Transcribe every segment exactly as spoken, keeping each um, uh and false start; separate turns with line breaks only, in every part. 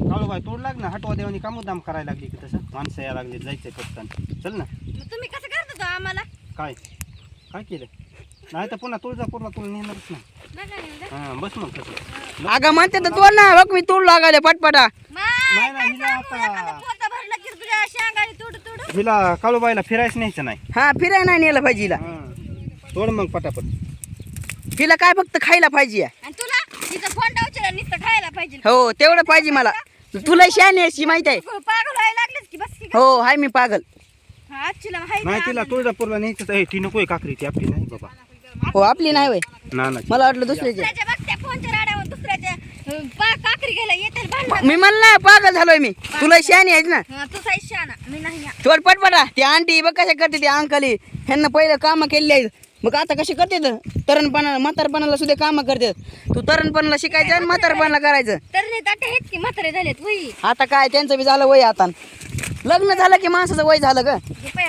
काळूबाई तोड लाग ना हटवा देवानी का मुद्दाम करायला लागली की तसं माणसं यायला लागली जायचंय पटकन चल ना
मग तुम्ही कसं करता तो आम्हाला
काय काय केलं नाही तर पुन्हा तुळजापूरला तुला नेणारच नाही
नका नेऊ जा.
हां बस मग तसं
अगं म्हणते तर तोड ना बघ मी तोड लागायला पटपटा
माय,
नाही,
काय
हिला
सांगू,
आता-
एखादं पोतं भरलं की तुझ्या शेंगाने तुडू तुडू.
हिला काळूबाईला फिरायचं न्यायचं नाही
हा फिराय नाही नेलं पाहिजे हिला
हां तोड मग पटापट
हिला काय फक्त खायला पाहिजे
आणि तुला तिचं फोन डावचेला नुसतं खायला पाहिजे
हो तेवढं पाहिजे मला तुला शाने अशी माहित आहे
तू पागल व्हायला लागलीस की बस की
हो हाय मी पागल
हा आजचीला माहिती
नाही
आहे
तिला
आम्हाला.
तुळजापूरला न्यायचं आहे ती नकोय काकरी ती आपली नाही बाबा
हो आपली नाही होय
ना ना
मला वाटलं दुसऱ्याची
दुसऱ्याच्या बघत्या फोनच्या राड्यावर दुसऱ्याच्या अं, पा काकरी घ्यायला येते भांडण
मी म्हणलं ना पागल झालोय मी तुला शाने आहेस ना
तुझा शाना मी नाही या.
थोड पटपटा ती आंटी बघ कशा करते ती अंकली ह्यांना पहिलं कामं केली आहेत मग आता कशी करते तरणपणा म्हातारपणाला सुद्धा कामं करते तू तरणपणाला शिकायचं आणि म्हातारपणाला करायचं
तर नाही ताटे आहेत की म्हातारे झालेत वही
आता काय त्यांचं बी झालं वय आता लग्न झालं की माणसाचं वय झालं ग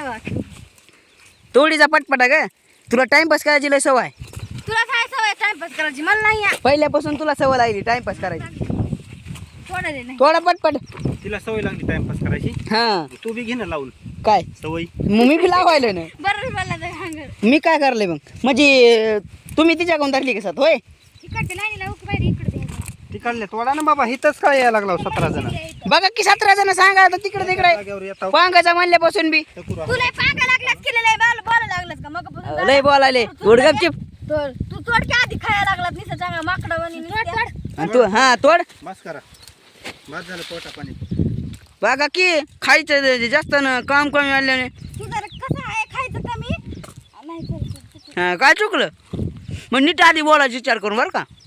तोडीचा पटपटा ग तुला टाइमपास करायची लय सवय
तुला काय सवय टाइमपास करायची मला नाही या.
पहिल्यापासून तुला सवय लागली टाइमपास करायची
थोडं दे नाही
थोडा पटपट
तिला सवय लागली टाइमपास करायची
हा
तू बी घे ना लावून
काय
सवय
मग मी बी लावायला ना
बरं मला तर हांगर
मी काय करले मग म्हणजे तुम्ही तिच्याकडून धरली कसं होय
इकडे नाही ना उक बाहेर इकडे द्यायचं.
ती काढले तोडा ना बाबा हिथंच काय यायला लागला सतरा जण
बघा की सतरा जण सांगा आता तिकडे तिकडे
जागेवर येतात
पांगाचा म्हणल्यापासून बी
टकुरा.
तुला पांगा लागलास केलेलं आहे बाल बोला लागलास का मग
लय बोलायले गुडगपचिप
तर तू तोडक्या आधी खायला लागलात निसं चांगला माकडावानी
आणि तू हा तोड
बस करा बस झालं पोटा पाणी
बघा की खायचं जास्त न काम कमी आल्याने
तू जरा कसं आहे खायचं कमी नाही करत.
हा काय चुकलं मग नीट आधी बोलायचा विचार करून बरं का